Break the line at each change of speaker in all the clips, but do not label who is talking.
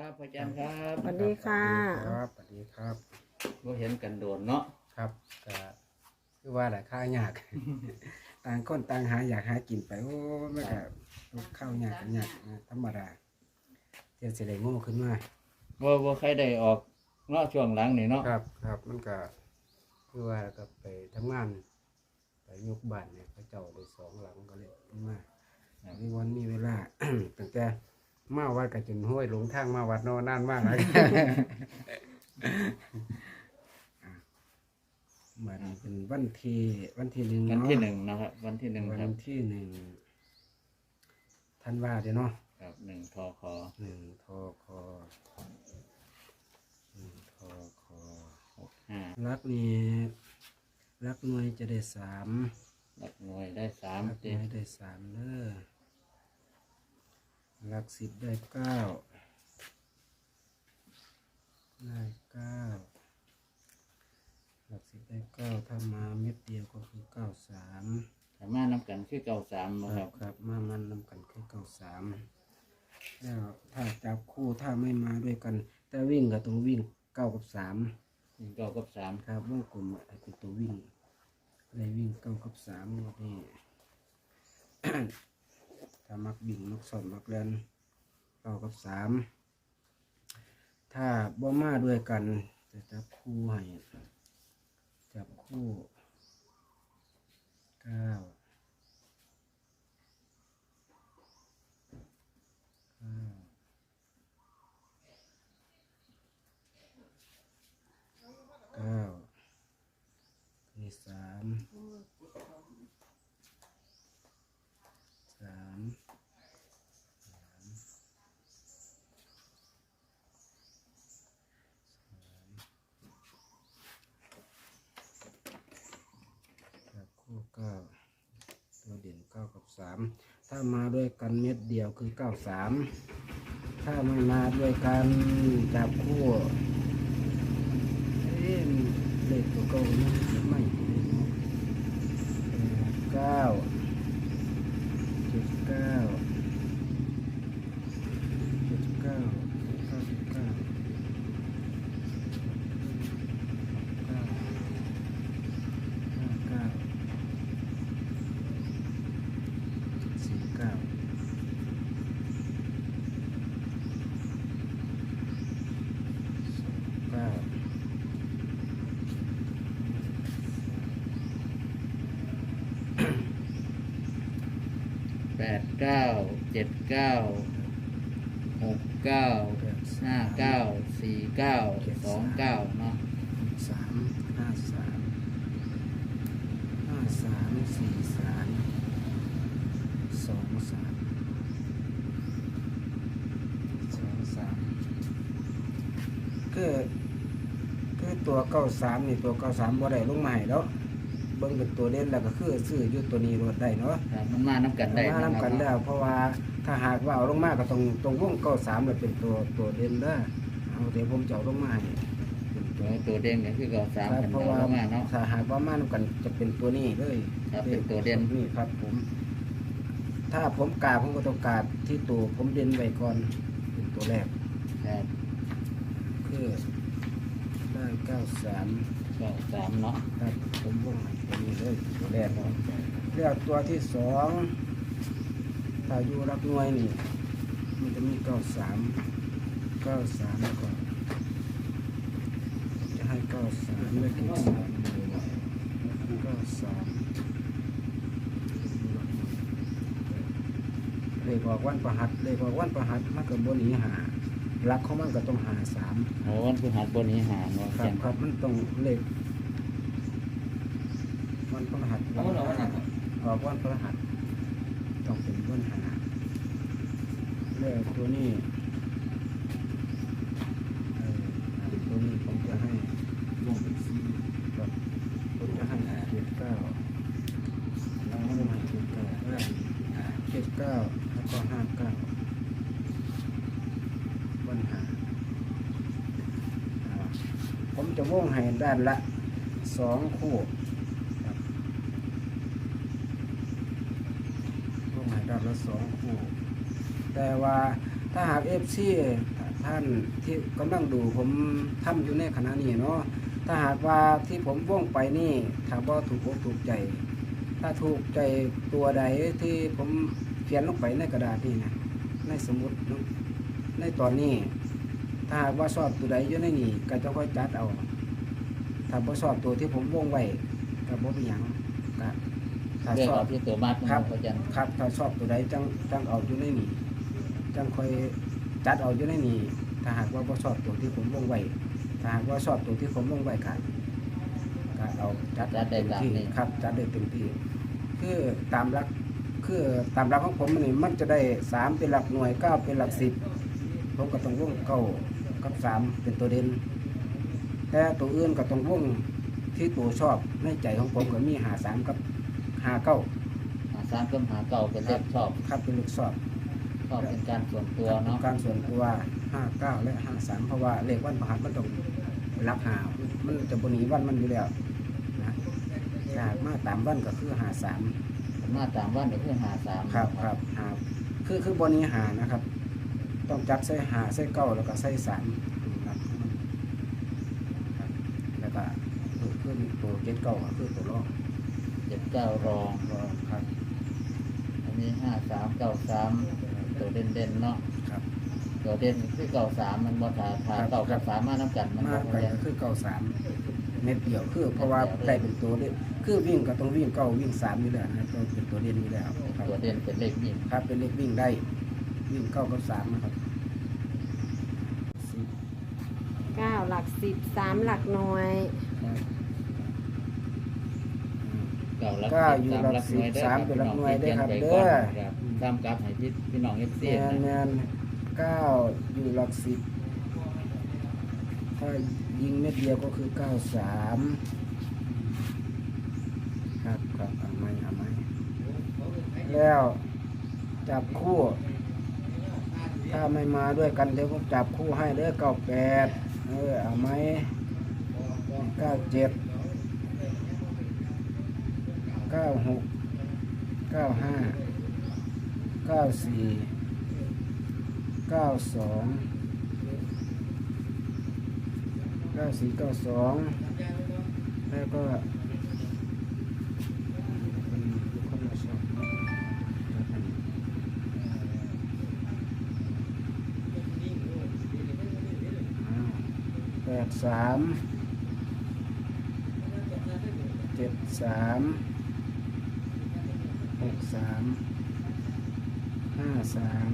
ครับอาจารย์ครับ
สวัสดีค่ะ
ครับสวัสดีครับ
เราเห็นกันโดนเนาะ
ครับก็คือว่าแหละข้าวยาก ต่างคนต่างหาอยากหากินไปโอ้ไม่ก็ข้าวยากกันยากนะธรรมดาเดี๋ยวสิได้โง่ขึ้นมา
ว่าใครได้ออกเนาะช่วงหลังนี่เนาะ
ครับครับมันก็คือว่าก็ไปทำงานไปยกบ้านเนี่ยพระเจ้าได้สองหลังก็เลยขึ้นมามีวันมีเวลา ตั้งแต่มาวัดก็จนห้วยหลงทางมาวัดโนนานมากเลย มันเป็นวันที่1
วัน
เนาะ
ที่หนึ่งนะครับ วันที่หนึ่ง
วั
ครับ
นที่1 ธันวาเด้อเนาะ
ครับหนึ่งทอคอ
1 ทค1 ทค
65
รักนี่รักหน่วยจะได้3
หลักหน่วยได้สาม
รักห
เต็
น่
ม
วยได้3เด้อรัก10ได้9ได้9หลัก10ได้9ถ้ามาเม็ดเดียวก็คือ93
สามารถนำกันคือเก่าสามนะ
ค
ค
รั
รั
บบ ครับมันนำกันคือ93แล้วถ้าจับคู่ถ้าไม่มาด้วยกัน แต่วิ่งก็ต้องวิ่ง9 กับ 3
วิ่งเก่ากับสาม
ครับวงกลมให้เป็นตัววิ่งเลยวิ่ง9 กับ 3งวดนี้ ถ้ามักวิ่งมักสอนมักเล่น9 กับ 3ถ้าบ่มาด้วยกันจะจับคู่ให้จับคู่9 9นี่จับคู่9ตัวเด่น9 กับ 3ถ้ามาด้วยกันเม็ดเดียวคือ93ถ้าไม่มาด้วยกันจับคู่เลขตัวเก่านี่ไม่9 7 9
89 79 69 59 49 เนาะ
คือตัว93นี่ตัว93บ่ได้ลงมาให้แล้วเบิ่งเป็นตัวเด่นแล้วก็คือซื้ออยู่ตัวนี้รถได้เนาะ
ครับมันมาน้ำกันได้
มา
นะ
นำ
ค
กั
รั
น
บ
แล้วเพราะว่าถ้าหากว่าเอาลงมาก็ตรงวง93เลยเป็นตัวเด่นเด้อเอาเดี๋ยวผมจะเอาลงมาให้เป็นตัว
ตัวเด้งเนี่ยคือเก่าสาม
ครับ
กัน
เพราะ
เก่า
ว่า
แล้วมาเนาะ
ถ้าหากว่ามานำกันจะเป็นตัวนี้เลย
ครับเป็นตัวเด่น
นี่ครับผม ถ้าผมกาผมก็ต้องกาที่ตัวผมเด่นไว้ก่อนเป็นตัวแรก
ครับ
คือได้93
เก่าสามเนาะ
ครับผมวงให้ตัวนี้เลยตัวแรกเนาะแล้วตัวที่สองถ้าอยู่รักหน่วยนี่มันจะมี93แล้วก็จะให้93เลขที่3 93เลขออกวันประหัสเลขออกวันประหัสมันก็บ่หนีหารักของมันก็ต้องหา3
โอ้วันพฤหัสบนนี้หาเนาะ
ครับครับมันต้องเลขวันพฤหัสออกวันพฤหัสต้องเป็นวันหาเลขตัวนี้ตัวนี้ผมจะให้ลงเป็น4ครับผมจะให้79แล้วก็ให้79แล้วก็59วันหาผมจะวงให้ด้านละ2 คู่ครับวงให้ด้านละ2 คู่ แต่ว่าถ้าหาก FC ถ้ท่านที่กำลังดูผมทำอยู่ในขณะนี้เนาะถ้าหากว่าที่ผมว่องไปนี่ถ้าบ่ถูกอกถูกใจ ถ้าถูกใจตัวใดที่ผมเขียนลงไปในกระดาษนี่นะในสมุดเนาะในตอนนี้ ถ้าหากว่าชอบตัวใดอยู่ในนี่ก็จะค่อยจัดเอาถ้าบ่ชอบตัวที่ผมวงไว้ก็บ่เป็นหยังก็ถ้า
เรื่อง
ชอ
เอา
บ
ที่ตัวมากนะครับอาจารย์
ครับถ้าชอบตัวใดจังเอาอยู่ในนี่จังค่อยจัดเอาอยู่ในนี่ถ้าหากว่าบ่ชอบตัวที่ผมวงไว้ถ้าหากว่าชอบตัวที่ผมวงไว้ก็เอาจัดเต็มที่ครับจัดได้เต็มที่คือตามหลักของผมนี่มันจะได้3เป็นหลักหน่วย9เป็นหลัก10ผมก็ต้องวง9กับ3เป็นตัวเด่นแต่ตัวอื่นก็ต้องวงที่ตัวชอบในใจของผมก็มี53กับ59
หาสามกับหาเก่าเป็นเลขชอบ
ครับเป็นเลขชอบ
ชอบเป็นการส่วนตัว
ครับ
เนาะ
การส่วนตัว59และ53เพราะว่าเลขวันพฤหัสมันต้องรับหามันจะบหนีวันมันอยู่แล้วนะถ้าหากมาตามวันก็คือ53
มาตามวันก็คือหาสาม
ครับหาคือบนี้หานะครับ ต้องจัดใส่หาใส่เก้าแล้วก็ใส่3ครับแล้วก็คือตัวเจ็ดเก้าก็คือตัวรอง
79รอง
ครับ
อันนี้5393ตัวเด่นๆเนาะ
ครับ
ตัวเด่นคือ93มันบ่ถาเก่ากับ3มานํกันมัน
มา
บ่
ไป
เรียน
ก็คือ93เม็ดเดียวคือเพราะว่าได้เป็นตัวเด่นคือวิ่งก็ต้องวิ่ง9วิ่ง3อยู่แล้วนะครับต้องเป็นตัวเด่นอยู่แล้วครับ
ตัวเด่นเป็นเลขยิ่ง
ครับเป็นเลขวิ่งได้วิ่ง9กับ3นะครับ
9 หลัก 10 3 หลักหน่วย
เก่าลัก
ก็อยู่หลัก10 3เป็นหลักหน่วยได้ครับเด้อ
ตามกราฟให้พี่น้อง FC
แม
นะ
น9อยู่หลัก10ถ้ายิงเม็ดเดียวก็คือ93ครับเอาไหมแล้วจับคู่ ถ้าไม่มาด้วยกันเดี๋ยวผมจับคู่ให้เด้อ98เอาไหม97 96 95 94 92 แล้วก็เป็นคนละสอง83 73 63 53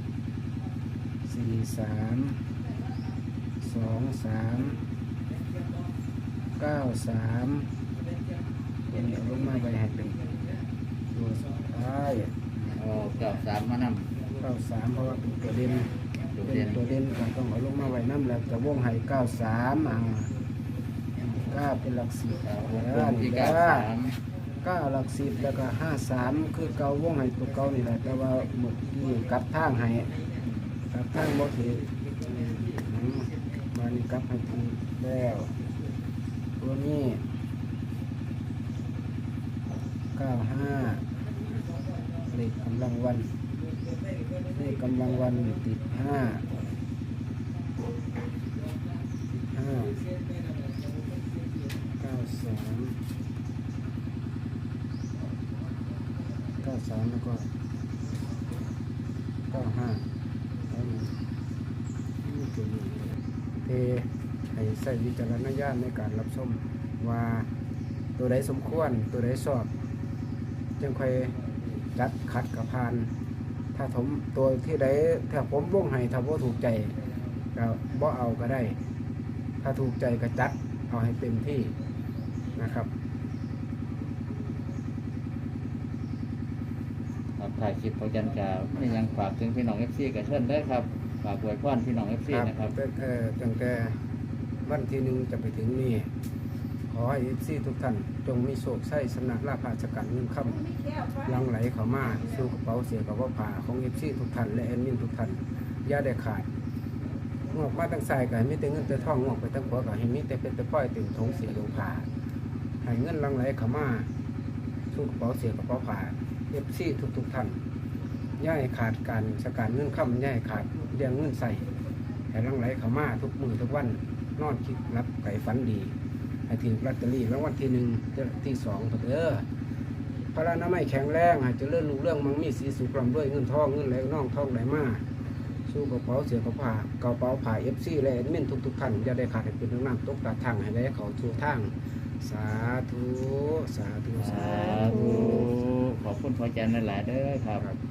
43 23 93ตัวนี้เอาลงมาไว้ให้เป็นตัวสุดท้าย
โอ้93มานำ
93เพราะว่าเป็นตัวเด่น
ตัว
เป็
เด่
น
น
ตัวเด่นก็ต้องเอาลงมาไว้น้ำแล้วจะวงให้939เป็นหลัก10แล้ว
ที่
นี่
93
9หลัก10แล้วก็53คือเก่าวงให้ตัวเก่านี่แหละแต่ว่าหมดนี่กลับทางให้กลับทางบ่ถูกมานี่กลับให้ถูกแล้วตัวนี้95เลขกำลังวันเลขกำลังวันติด93แล้วก็95แล้วนี่ตัวนี้เทให้ใส่วิจารณญาณในการรับชมว่าตัวใดสมควรตัวใดชอบจึงค่อยจัดขัดกับพาน ถ้าผมตัวที่ใดถ้าผมวงให้ถ้าบ่ถูกใจก็บ่เอาก็ได้ ถ้าถูกใจก็จัดเอาให้เต็มที่นะครับ
ครับถ่ายคลิปพอจันกาไม่ยังฝากถึงพี่น้อง FC กับเชิญได้ครับฝากอวยพรพี่น้อง FC นะครับ
ตั้งแต่วันที่1จะไปถึงนี่ขอให้ FC ทุกท่านจงมีโชคชัยชนะลาภราชการเงินค่ำหลังไหลเข้ามาสู่กระเป๋าเสียกับว่าผ่าของ FC ทุกท่านและแอดมินทุกท่านอย่าได้ขาดงอกมาตั้งสายก็ให้มีแต่เงินแต่ทองงอกไปตั้งหัวก็ให้มีแต่เป็นแต่ป้อยเต็มทงเสียลงผ่าให้เงินหลังไหลเข้ามาสู่กระเป๋าเสียกับว่าผ่า FC ทุกท่านอย่าให้ขาดการสการเงินค่ำอย่าให้ขาดเรื่องเงินใส่ให้หลังไหลเข้ามาทุกมื้อทุกวันนอนคิดรับไก่ฝันดีให้ถือลอตเตอรี่รางวัลที่1ที่2เด้อพระนามัยแข็งแรงให้เจริญรุ่งเรืองมั่งมีสีสุขร่ำรวยเงินทองเงินไหลน่องทองไหลมาสู้กระเป๋าเสียกระเป๋าผ่า FC และแอดมินทุกท่านจะได้ขาดให้เป็นน้ำตกกระทั่งให้ได้เขาสู่ทางสาธุสาธุ
สาธุขอบคุณพ่อจันทร์หลายๆเด้อครับ